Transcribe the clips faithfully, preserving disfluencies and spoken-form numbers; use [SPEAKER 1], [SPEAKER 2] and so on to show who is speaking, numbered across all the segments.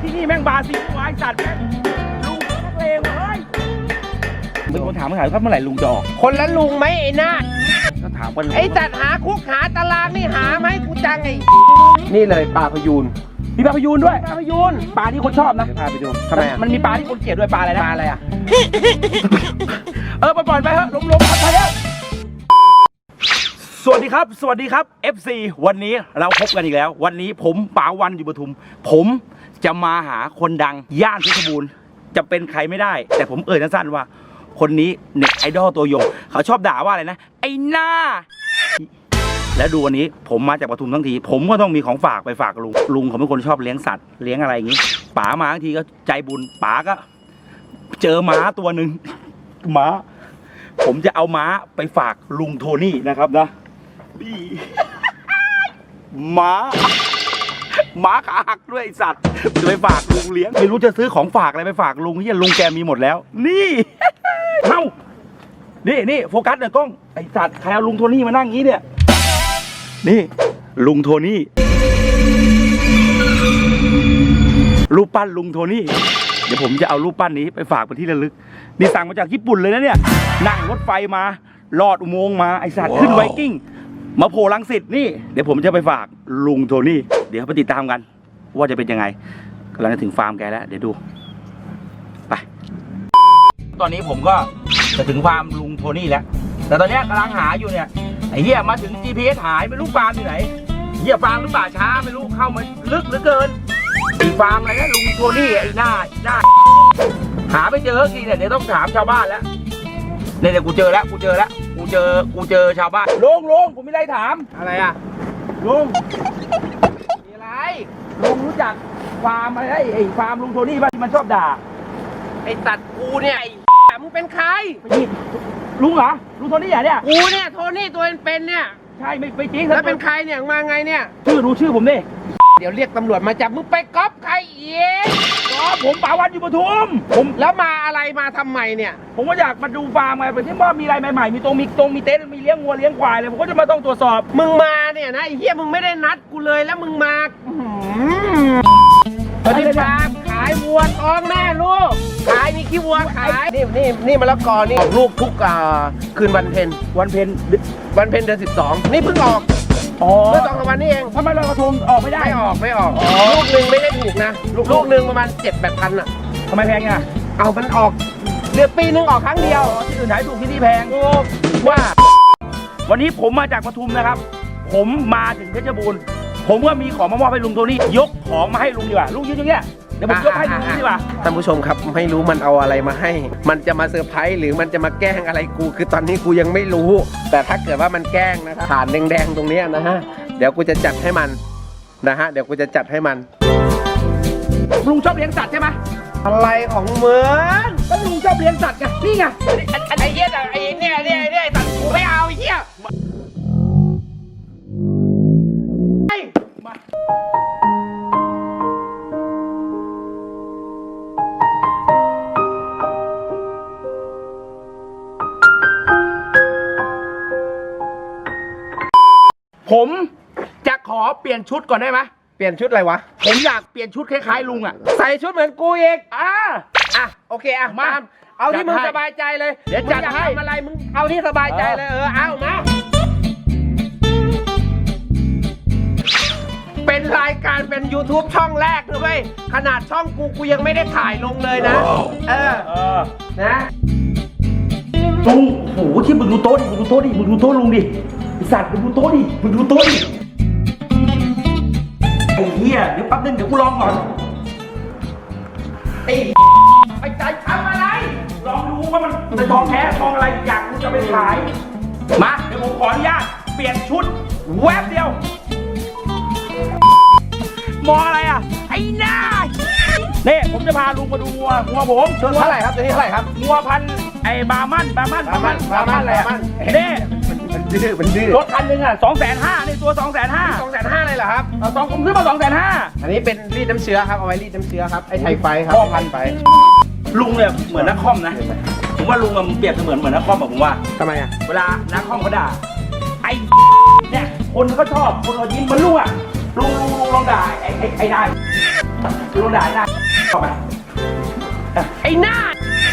[SPEAKER 1] ที่นี่แม่งบาซิลไอ้สัตว์แม่งลุงนักเลงเฮ้ยมีคนถามมาถามว่าเมื่อไหร่ลุงจะออก
[SPEAKER 2] คนละลุงไหมไอ้นาด
[SPEAKER 1] ก็ถามว่า
[SPEAKER 2] ไอ้จัดหาคุกหาตารางนี่หาไหมกูจังไอ้นี่เลยปลาพยูน
[SPEAKER 1] มีปลาพยูนด้วย
[SPEAKER 2] ปลาพยูน
[SPEAKER 1] ปลาที่คนชอบนะ
[SPEAKER 2] พาไปดูทำไมอ่ะ
[SPEAKER 1] มันมีปลาที่คนเกลียดด้วยปลาอะไรนะ
[SPEAKER 2] ปลาอะไรอ่ะ
[SPEAKER 1] เออปล่อยไปเถอะลมๆไปเถอะสวัสดีครับสวัสดีครับ เอฟ ซี วันนี้เราพบกันอีกแล้ววันนี้ผมป๋าวันอยู่ปทุมผมจะมาหาคนดังย่านเพชรบูรณ์จะเป็นใครไม่ได้แต่ผมเอ่ยสั้นๆว่าคนนี้เน็ตไอดอลตัวยงเขาชอบด่าว่าอะไรนะไอ้หน้าแล้วดูวันนี้ผมมาจากปทุมทั้งทีผมก็ต้องมีของฝากไปฝากลุงลุงเขาเป็นคนชอบเลี้ยงสัตว์เลี้ยงอะไรอย่างนี้ป๋ามาทั้งทีก็ใจบุญป๋าก็เจอม้าตัวหนึ่งม้าผมจะเอาม้าไปฝากลุงโทนี่นะครับนะนี่ม้าม้าขาหักด้วยไอ้สัตว์จะไปฝากลุงเลี้ยงไม่รู้จะซื้อของฝากอะไรไปฝากลุงที่ลุงแกมีหมดแล้วนี่เอ้านี่นี่โฟกัสหน่อยกล้องไอ้สัตว์ใครเอาลุงโทนี่มานั่งงี้เนี่ยนี่ลุงโทนี่รูปปั้นลุงโทนี่เดี๋ยวผมจะเอารูปปั้นนี้ไปฝากเป็นที่ระลึกนี่สั่งมาจากญี่ปุ่นเลยนะเนี่ยนั่งรถไฟมาลอดอุโมงค์มาไอสัตว์ขึ้นไวกิ้งมาโผล่รังสิตนี่เดี๋ยวผมจะไปฝากลุงโทนี่เดี๋ยวไปติดตามกันว่าจะเป็นยังไงกำลังจะถึงฟาร์มแกแล้วเดี๋ยวดูไปตอนนี้ผมก็จะถึงฟาร์มลุงโทนี่แล้วแต่ตอนนี้กำลังหาอยู่เนี่ยไอ้เหี้ยมาถึง จี พี เอส หายไม่รู้ฟาร์มที่ไหนเหี้ยฟาร์มหรือป่าช้าไม่รู้เข้ามาลึกเหลือเกินไอ้ฟาร์มอะไรนะลุงโทนี่ไอ้หน้าหน้าหาไม่เจอทีเนี่ยเดี๋ยวต้องถามชาวบ้านแล้วเนี่ยเดี๋ยวกูเจอแล้วกูเจอแล้วกูเจอกูเจอชาวบ้านลุงลุงผมมีอะไรถาม
[SPEAKER 2] อะไรอ่ะ
[SPEAKER 1] ลุง
[SPEAKER 2] มีอะไร
[SPEAKER 1] ลุงรู้จักฟาร์มอะไรไอ้ไอ้ฟาร์มลุงโทนี่ป่ะที่มันชอบด่า
[SPEAKER 2] ไอ้ตัดกูเนี่ยไอ้มึงเป็นใคร
[SPEAKER 1] นี่ลุงเหรอลุงโทนี่เหรอเนี่ย
[SPEAKER 2] กูเนี่ยโทนี่ตัวเป็นๆเนี่ย
[SPEAKER 1] ใช่ไม่ไม่จริง
[SPEAKER 2] แล้วเป็นใครเนี่ยมาไงเนี่ย
[SPEAKER 1] ชื่อรู้ชื่อผมดิ
[SPEAKER 2] เดี๋ยวเรียกตำรวจมาจับมึงไปก๊อปใครอีก
[SPEAKER 1] อ๋อผมป๋าวันอยู่ปทุมผม
[SPEAKER 2] แล้วมาอะไรมาทำไมเนี่ย
[SPEAKER 1] ผมก็อยากมาดูฟาร์มไงไปที่ว่ามีอะไรใหม่ๆมีตรงมีตรงมีเต็นท์มีเลี้ยงวัวเลี้ยงควายเลยผมก็จะมาต้องตรวจสอบ
[SPEAKER 2] มึงมาเนี่ยนะไอ้เหี้ยมึงไม่ได้นัดกูเลยแล้วมึงมาตอนนี้ฟาร์มขายวัวท้องแม่ลูกขายมีขี้วัวขายนี่นี่นี่มะละกอนี่ออกลูกทุกอ่าคืนวันเพ็ญ
[SPEAKER 1] วันเพ็ญ
[SPEAKER 2] วันเพ็ญเดือนสิบสองนี่เพิ่งออก
[SPEAKER 1] อ๋อ
[SPEAKER 2] เมื่อสองสามวันนี้เอง
[SPEAKER 1] ทำไมลอยกระทงออกไม่ได้
[SPEAKER 2] ไม่ออกไม่ออก
[SPEAKER 1] อ๋อ
[SPEAKER 2] ลูกหนึ่งไม่ได้ถูกนะลูกหนึ่งประมาณเจ็ดแปดพันอ่ะ
[SPEAKER 1] ทำไมแพงอ่ะ
[SPEAKER 2] เอามันออกเดือนปีหนึงออกครั้งเดียว
[SPEAKER 1] อ๋อที่อื่นขายถูกที่นี่แพง
[SPEAKER 2] ถูกว่า
[SPEAKER 1] วันนี้ผมมาจากปทุมนะครับ ผมมาถึงเพชรบูรณ์ผมก็มีของมามอบให้ลุงโทนี่ยกของมาให้ลุงดีกว่าลุงยืนอย่างเงี้ยเดี๋ยวผมยกให้ลุงดีกว่า
[SPEAKER 2] ท่านผู้ชมครับไม่รู้มันเอาอะไรมาให้ มันจะมาเซอร์ไพรส์หรือมันจะมาแกล้งอะไรกูคือตอนนี้กูยังไม่รู้ แต่ถ้าเกิดว่ามันแกล้งนะครับฐานแดงๆตรงเนี้ยนะฮะเดี๋ยวกูจะจัดให้มันนะฮะเดี๋ยวกูจะจัดให้มัน
[SPEAKER 1] ลุงชอบเลี้ยงสัตว์ใช่ไหม
[SPEAKER 2] อะไรของมึง
[SPEAKER 1] ก็ลุงชอบเลี้ยงสัตว์ไงนี่ไง
[SPEAKER 2] ไอ้เหี้ยไอ้เนี่ยเนี่ยเนี่ยตัดกูไม่เอาไอ้เหี้ย
[SPEAKER 1] ผมจะขอเปลี่ยนชุดก่อนได้ไหม
[SPEAKER 2] เปลี่ยนชุดอะไรวะ
[SPEAKER 1] ผมอยากเปลี่ยนชุดคล้ายๆลุงอ่ะ
[SPEAKER 2] ใส่ชุดเหมือนกูอีก
[SPEAKER 1] อ่า
[SPEAKER 2] อ่ะโอเคอ่ะ
[SPEAKER 1] มา
[SPEAKER 2] ตามเอาที่มึง
[SPEAKER 1] จัดให้
[SPEAKER 2] สบายใจเลย
[SPEAKER 1] เดี๋ยวจัดให้
[SPEAKER 2] มึงอยากทำอะไรมึงเอาที่สบายใจเลยเออเอามาเป็นรายการเป็น YouTube ช่องแรกเลยเว้ยขนาดช่องกูกูยังไม่ได้ถ่ายลงเลยนะเออ
[SPEAKER 1] เออ
[SPEAKER 2] นะ
[SPEAKER 1] ลุงโอ้โหที่มึงดูโต๊ะดิมึงดูโต๊ะดิมึงดูโต๊ะลุงดิไอสัตว์มึงดูโต๊ะดิมึงดูโต๊ะดิไอ้เหี้ยเดี๋ยวแป๊บนึงเดี๋ยวกูลองก่อนไอ้ไอ้ใจทำอะไรลองดูว่ามันเป็นทองแท้ทองอะไรอยากกูจะไปขายมาเดี๋ยวผมขออนุญาตเปลี่ยนชุดแวบเดียวมองอะไรอ่ะไอ้หน้านี่ผมจะพาลุงมาดูงัวงัวผม
[SPEAKER 2] ตัวเท่าไหร่ครับตัวนี้เท่าไหร่ครับ
[SPEAKER 1] งัวพันธุ์ไอ้บาร์มันบาร์มัน
[SPEAKER 2] บาร์มันบาร์มัน
[SPEAKER 1] อะไรอ่ะ
[SPEAKER 2] บาร์มัน
[SPEAKER 1] นี่
[SPEAKER 2] มันดื้อมันดื้อ
[SPEAKER 1] รถคันหนึ่งอ่ะสองแสนห้านี่ตัวสองแสนห้า
[SPEAKER 2] สองแสนห้าเลยเหรอครับ
[SPEAKER 1] สองผมซื้อมาสองแสนห้า
[SPEAKER 2] อันนี้เป็นรีดน้ำเชื้อครับเอาไว้รีดน้ำเชื้อครับไอ้ไทยไฟครับ
[SPEAKER 1] พ่อพัน
[SPEAKER 2] ไป
[SPEAKER 1] ลุงเนี่ยเหมือนนักคอมนะผมว่าลุงมันเปรียบเสมือนเหมือนนักคอมอะผมว่า
[SPEAKER 2] ทำไมอ่ะ
[SPEAKER 1] เวลานักคอมเขาด่าไอ้เนี่ยคนเขาชอบคนเขายิ้มเหมือนลุงอ่ะลุงลุงลุงลองด่าไอ้ไอ้ไอ้ได้ลุงด่าหน้าเข้ามา
[SPEAKER 2] ไอ้หน้า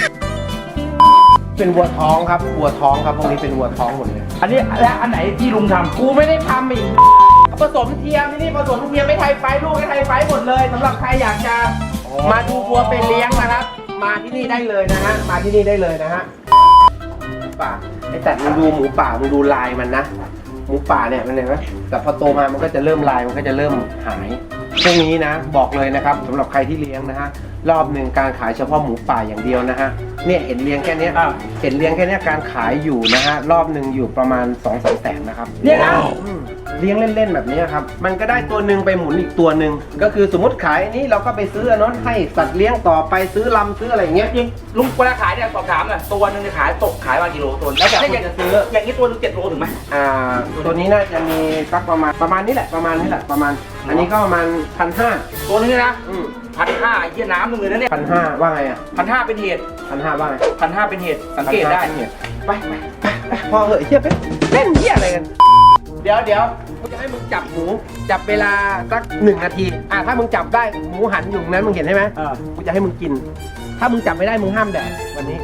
[SPEAKER 2] เป็นวัวท้องครับวัวท้องครับพวกนี้เป็นวัวท้องหมดเลย
[SPEAKER 1] อันนี้และอันไหนที่ลุงทำ
[SPEAKER 2] กูไม่ได้ทำอีกผสมเทียมที่นี่ผสมเทียมไม่ไทยไฟลูกไม่ไทยไฟหมดเลยสำหรับใครอยากจะมาดูวัวเป็นเลี้ยงนะครับ มาที่นี่ได้เลยนะฮะมาที่นี่ได้เลยนะฮะป่าไอ้แต่มึงดูหมูป่ามึงดูลายมันนะหมูป่าเนี่ยมันเห็นไหมแต่พอโตมามันก็จะเริ่มลายมันก็จะเริ่มหายพวกนี้นะบอกเลยนะครับสำหรับใครที่เลี้ยงนะฮะรอบหนึ่งการขายเฉพาะหมูป่าอย่างเดียวนะฮะเนี่ยเห็นเลี้ยงแค่เนี้ยเห็นเลี้ยงแค่เนี้ยการขายอยู่นะฮะรอบหนึ่งอยู่ประมาณสองสามแสนนะครับ
[SPEAKER 1] เนี่ยนะ
[SPEAKER 2] อืมเลี้ยงเล่นๆแบบนี้ครับมันก็ได้ตัวหนึ่งไปหมุนอีกตัวหนึ่งก็คือสมมติขายอันนี้เราก็ไปซื้ออันนั้นให้สัตว์เลี้ยงต่อไปซื้อลำซื้ออะไรอย่างเงี้ย
[SPEAKER 1] จริงลุงเวลาขายเนี่ยสอบถามหน่อยตัวหนึงเนี่ยขายตกขายวันกิโลตัวแล้วแต่คุณจะซื้ออย่างนี้ตัวหนึงเจ็ดโลถึงไหม
[SPEAKER 2] อ่าตัวนี้น่าจะมีสักประมาณประมาณนี้แหละประมาณนี้แหละประมาณ อันนี้ก็ประมาณพันห้า
[SPEAKER 1] ตัวนึงเนี่ยนะ
[SPEAKER 2] อืม
[SPEAKER 1] พันห้าไอ้เหี้ยน้ำหนึ่งเลยนะเนี่ย
[SPEAKER 2] พันห้าว่าไงอ่ะ
[SPEAKER 1] พันห้าเป็นเหตุ
[SPEAKER 2] พันห้าว่าไง
[SPEAKER 1] พันห้าเป็นเหตุสังเกตได้
[SPEAKER 2] ไปไปไปไปพอเหอะเฮียไปเล่นเฮียอะไรกัน เดี๋ยวเดี๋ยวกูจะให้มึงจับหมูจับเวลาสักหนึ่งนาทีอ่ะถ้ามึงจับได้หมูหันอยู่ตรงนั้นมึงเห็นใช่ไหม
[SPEAKER 1] เออ
[SPEAKER 2] กูจะให้มึงกิน ถ้ามึงจับไม่ได้มึงห้ามแดกวันนี้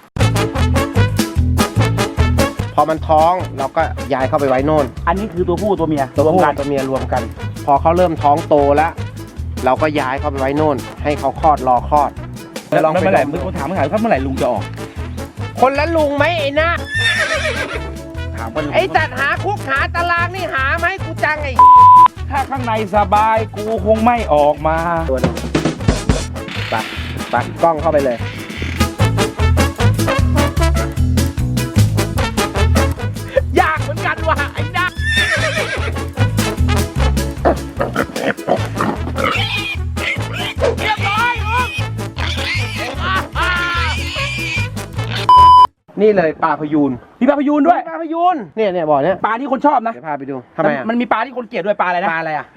[SPEAKER 2] พอมันท้องเราก็ย้ายเข้าไปไว้โน่น
[SPEAKER 1] อันนี้คือตัวผู้ตัวเมีย
[SPEAKER 2] ตัว
[SPEAKER 1] รวม
[SPEAKER 2] ผู้
[SPEAKER 1] กัน
[SPEAKER 2] ตัวเมียรวมกัน พอเขาเริ่มท้องโตแล้ว เราก็ย้ายเข้าไปไว้โน่น ให้เขาคลอดรอคลอด
[SPEAKER 1] แล้วลอง
[SPEAKER 2] ไป
[SPEAKER 1] เมื่อไหร่
[SPEAKER 2] ล
[SPEAKER 1] มึ
[SPEAKER 2] อง ง
[SPEAKER 1] ถามเมื่อไหร่ถ้าเมื่อไหร่ลุงจะออก
[SPEAKER 2] คนละลุงไหมไอ้หน้า
[SPEAKER 1] ถามว่าลุง
[SPEAKER 2] ไอ้จัดหาคุกหาตารางนี่หาไหมกูจังไอ้
[SPEAKER 1] ถ้าข้างในสบายกูคงไม่ออกมา
[SPEAKER 2] ตัวนึงปักปักกล้องเข้าไปเลย
[SPEAKER 1] ยากเหมือนกันว่ะไอ้น้าเรียบร้อยลุง
[SPEAKER 2] นี่เลยปลาพยูน
[SPEAKER 1] มีปลาพยูนด้วย
[SPEAKER 2] ปลาพยูนเนี่ยเนี่ยบ่อเนี้ย
[SPEAKER 1] ปลาที่คนชอบนะ
[SPEAKER 2] เดี๋ยวพาไปดูทำไมอ่ะ
[SPEAKER 1] มันมีปลาที่คนเกลียดด้วยปลาอะไรนะ
[SPEAKER 2] ปลาอะไรอ่ะ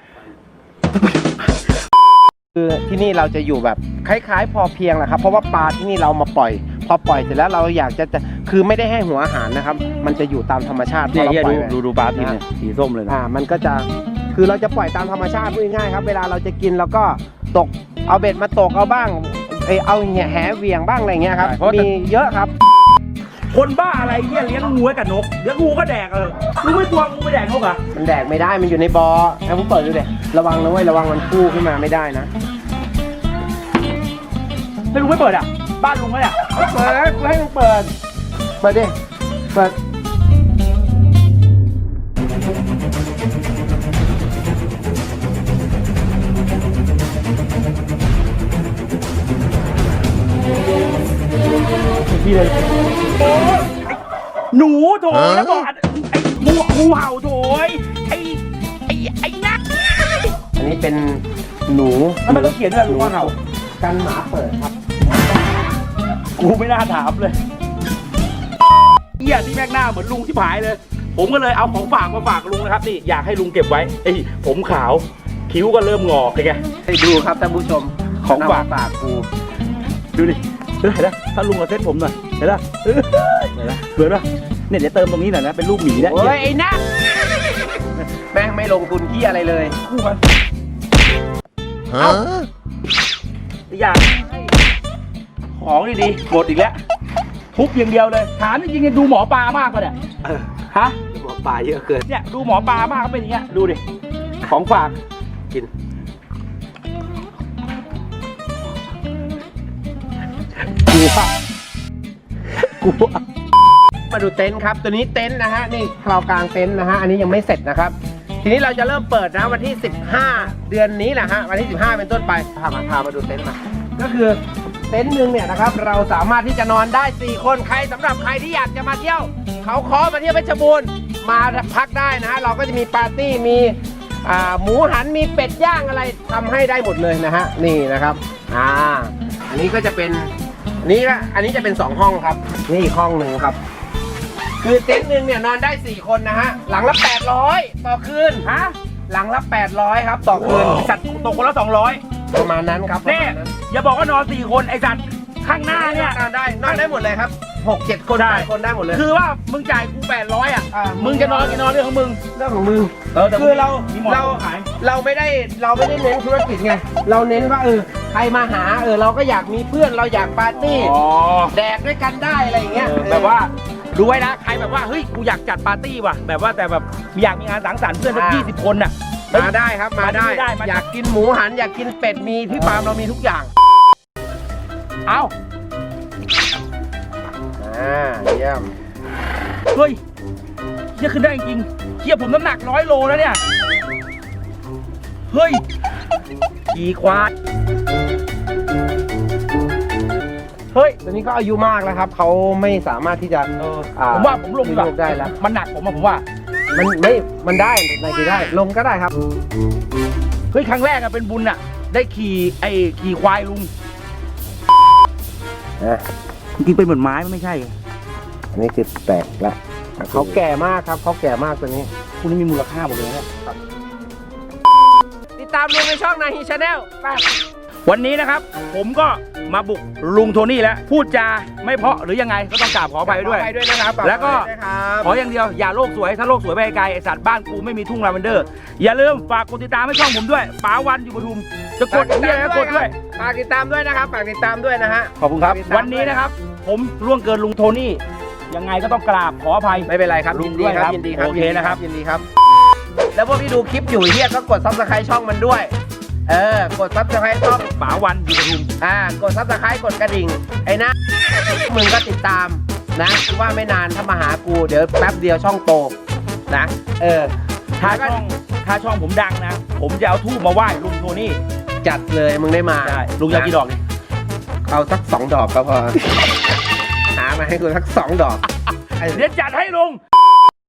[SPEAKER 2] คือที่นี่เราจะอยู่แบบคล้ายๆ พอเพียงแหละครับ เพราะว่าปลาที่นี่เรามาปล่อย พอปล่อยเสร็จแล้วเราอยากจะจะคือไม่ได้ให้หัวอาหารนะครับ มันจะอยู่ตามธรรมชาติพอเราปล่อยไว้
[SPEAKER 1] ดูดูปลาทีเนี่ยสีส้มเลยนะ
[SPEAKER 2] อ่ามันก็จะคือเราจะปล่อยตามธรรมชาติพูดง่ายๆครับ เวลาเราจะกินเราก็ตกเอาเบ็ดมาตกเอาบ้างเอยเอาเนี่ยแหเหวี่ยงบ้างอะไรเงี้ยครับมีเยอะครับ
[SPEAKER 1] คนบ้าอะไรเงี้ยเลี้ยงงูไว้กับนกเลี้ยงงูก็แดกเออมึงไม่กลัวงูไม่แดกนกเหรอ่ะ
[SPEAKER 2] มันแดกไม่ได้มันอยู่ในบอ่อให้ผมเปิดดูเลยระวังนะเว้ยระวังมันพุ่งขึ้นมาไม่ได้นะ
[SPEAKER 1] ไม่ลุงไม่เปิดอ่ะบ้านลุงไหมเนี่ย
[SPEAKER 2] เปิดกูให้มึงเปิดเปิดดิเปิด
[SPEAKER 1] พี่เลยโอ้ยหนูโถแล้วบอกไอ้งูงูเห่าโถยไอ้ไอ้ไอ้นัก
[SPEAKER 2] อันนี้เป็นหนู
[SPEAKER 1] แล้วมันต้องเขียนด้วยงูเห่า
[SPEAKER 2] กันหมาเปิดครับ
[SPEAKER 1] กูไม่น่าถามเลยเหี้ยที่แม่งหน้าเหมือนลุงที่ผายเลย ผมก็เลยเอาของฝากมาฝากลุงนะครับนี่อยากให้ลุงเก็บไว้ไอ้ผมขาวคิ้วก็เริ่มงอกเลยไง
[SPEAKER 2] ให้ดูครับท่านผู้ชม
[SPEAKER 1] ของฝาก
[SPEAKER 2] ฝากกู
[SPEAKER 1] ดูดิเห็นไหมถ้าลุงเอาเซ็ตผมหน่อยเห็นไหมเห็นไหมสวยป่ะเนี่ยเดี๋ยวเติมตรงนี้หน่อยนะเป็นรูปหมีนะ
[SPEAKER 2] โอ้ยไอ้นักแม่งไม่ลงทุนที่อะไรเลย
[SPEAKER 1] คู่กันเอ้าอยากให้ของดีๆหมดอีกแล้วทุบอย่างเดียวเลยถามจริงๆดูหมอปลามากกว่าเนี่ยฮะ
[SPEAKER 2] หมอปลาเยอะเกิน
[SPEAKER 1] เนี่ยดูหมอปลามากก็เป็นอย่างเงี้ยดูดิของฝาก
[SPEAKER 2] กินกูว่ากูว่ามาดูเต็นท์ครับ ตัวนี้เต็นท์นะฮะนี่คราวกลางเต็นท์นะฮะอันนี้ยังไม่เสร็จนะครับ ทีนี้เราจะเริ่มเปิดนะวันที่สิบห้าเดือนนี้แหละฮะวันที่สิบห้าเป็นต้นไปพามาพามาดูเต็นท์มาก็คือเต็นท์หนึ่งเนี่ยนะครับเราสามารถที่จะนอนได้สี่คนใครสำหรับใครที่อยากจะมาเที่ยวเขาคอมาเที่ยวเพชรบูรณ์มาพักได้นะฮะเราก็จะมีปาร์ตี้มีอ่าหมูหันมีเป็ดย่างอะไรทำให้ได้หมดเลยนะฮะนี่นะครับอ่าอันนี้ก็จะเป็นอันนี้ก็อันนี้จะเป็นสองห้องครับนี่อีกห้องหนึ่งครับคือเต็นท์หนึ่งเนี่ยนอนได้สี่คนนะฮะหลังละแปดร้อยต่อคืน
[SPEAKER 1] ฮะ
[SPEAKER 2] หลังละแปดร้อยครับต่อคืน
[SPEAKER 1] สัตว์ตกคนละสองร้อย
[SPEAKER 2] ประมาณนั้นครับประ
[SPEAKER 1] เนี่
[SPEAKER 2] มาณนั้น
[SPEAKER 1] อย่าบอกว่านอนสี่คนไอสัตว์ข้างหน้าเนี่ย
[SPEAKER 2] นอนได้นอนได้หมดเลยครับหกเจ็ดคน
[SPEAKER 1] ได้
[SPEAKER 2] แปดคนได้หมดเลย
[SPEAKER 1] คือว่ามึงจ่ายกูแปดร้อยอ่ะ
[SPEAKER 2] อ่ามึ
[SPEAKER 1] มึงจะนอนกี่นอนเรื่องของมึง
[SPEAKER 2] เรื่องของมึง
[SPEAKER 1] เออแต่
[SPEAKER 2] คือเรา
[SPEAKER 1] มีหมอน
[SPEAKER 2] เรา
[SPEAKER 1] ขาย
[SPEAKER 2] เราไม่ได้เราไม่ได้เน้นธุรกิจไงเราเน้นว่าเออใครมาหาเออเราก็อยากมีเพื่อนเราอยากปาร์ตี้
[SPEAKER 1] อ๋อ
[SPEAKER 2] แดกด้วยกันได้อะไรอย่างเงี้ย
[SPEAKER 1] เออแบบว่าดูไว้นะใครแบบว่าเฮ้ยกูอยากจัดปาร์ตี้ว่ะแบบว่าแต่แบบอยากมีงานสังสรรค์เพื่อนสักยี่สิบคนน่ะ
[SPEAKER 2] มาได้ครับมาได้
[SPEAKER 1] มาได้มาได้
[SPEAKER 2] อยากกินหมูหันอยากกินเป็ดมีที่ฟาร์มเรามีทุกอย่าง
[SPEAKER 1] เอ้า
[SPEAKER 2] อ่าเยี่ยม
[SPEAKER 1] เฮ้ยเฮียขึ้นได้จริงๆเฮียผมน้ำหนักร้อยโลแล้วเนี่ยเฮ้ยขี่ควายเฮ้ย
[SPEAKER 2] ตัวนี้ก็อายุมากแล้วครับเขาไม่สามารถที่จะ
[SPEAKER 1] เออ
[SPEAKER 2] อ่า
[SPEAKER 1] ผมว่าผมลงดีกว่า
[SPEAKER 2] ลงได้แล้ว
[SPEAKER 1] มันหนักผมอะผมว่า
[SPEAKER 2] มันไม่มันได้ในกี่ได้ลงก็ได้ครับ
[SPEAKER 1] เฮ้ยครั้งแรกอะเป็นบุญอะได้ขี่ไอ้ขี่ควายลุง
[SPEAKER 2] อ่ะ
[SPEAKER 1] จริงๆเป็นเหมือนไม้มันไม่ใช่
[SPEAKER 2] อันนี้คือแตกแล้วเขาแก่มากครับเขาแก่มากตัวนี้
[SPEAKER 1] คุณนี่มีมูลค่าหมดเลยนะเนี่ย
[SPEAKER 2] ติดตามลุงในช่องนาฮีชาแนลไป
[SPEAKER 1] วันนี้นะครับ ผมก็มาบุกลุงโทนี่แล้วพูดจาไม่เพราะหรือยังไงก็ต้องกราบขออภัยด้วย
[SPEAKER 2] ไปด้วยนะครับ
[SPEAKER 1] แล้วก็
[SPEAKER 2] ไปด้วยนะครับ
[SPEAKER 1] ขออย่างเดียวอย่าโลกสวยถ้าโลกสวยไปไกลไอสัตว์บ้านกูไม่มีทุ่งลาเวนเดอร์อย่าลืมฝากกดติดตามให้ช่องผมด้วยป๋าวันอยู่ปทุมจะกดเฮียแล้วกดด้วย
[SPEAKER 2] ฝากติดตามด้วยนะครับฝากติดตามด้วยนะฮะ
[SPEAKER 1] ขอบคุณครับ
[SPEAKER 2] ฝากติดตาม
[SPEAKER 1] วันนี้นะครับ ผมล่วงเกินลุงโทนี่ยังไงก็ต้องกราบขออภัย
[SPEAKER 2] ไม่เป็นไรครับ
[SPEAKER 1] ลุ
[SPEAKER 2] ยิ
[SPEAKER 1] ง
[SPEAKER 2] นดี
[SPEAKER 1] ด้วย
[SPEAKER 2] ค
[SPEAKER 1] ครั
[SPEAKER 2] รับบ ยินดีครับ
[SPEAKER 1] โอเคนะครับ
[SPEAKER 2] ยินดีครับ แล้วพวกที่ดูคลิปอยู่เฮียก็กดซับสไครต์ช่องมันด้วย เออกดซับสไครต์ช่อง
[SPEAKER 1] ป๋าวันอยู่ปทุม
[SPEAKER 2] อ่ากดซับสไครต์กดกระดิ่งไอ้นะมึงก็ติดตามนะว่าไม่นานถ้ามาหากูเดี๋ยวแป๊บเดียวช่องโตนะเออ
[SPEAKER 1] ถ้าช่องถ้าช่องผมดังนะ ผมจะเอาทูบมาไหว้ลุงโทนี่
[SPEAKER 2] จัดเลยมึงได้มา
[SPEAKER 1] ได้ลุงอยากกี่ดอกดิ
[SPEAKER 2] เอาสักสองดอกก็พอ หามาให้กูสักสองดอก
[SPEAKER 1] เดี๋ยวจัดให้ลุง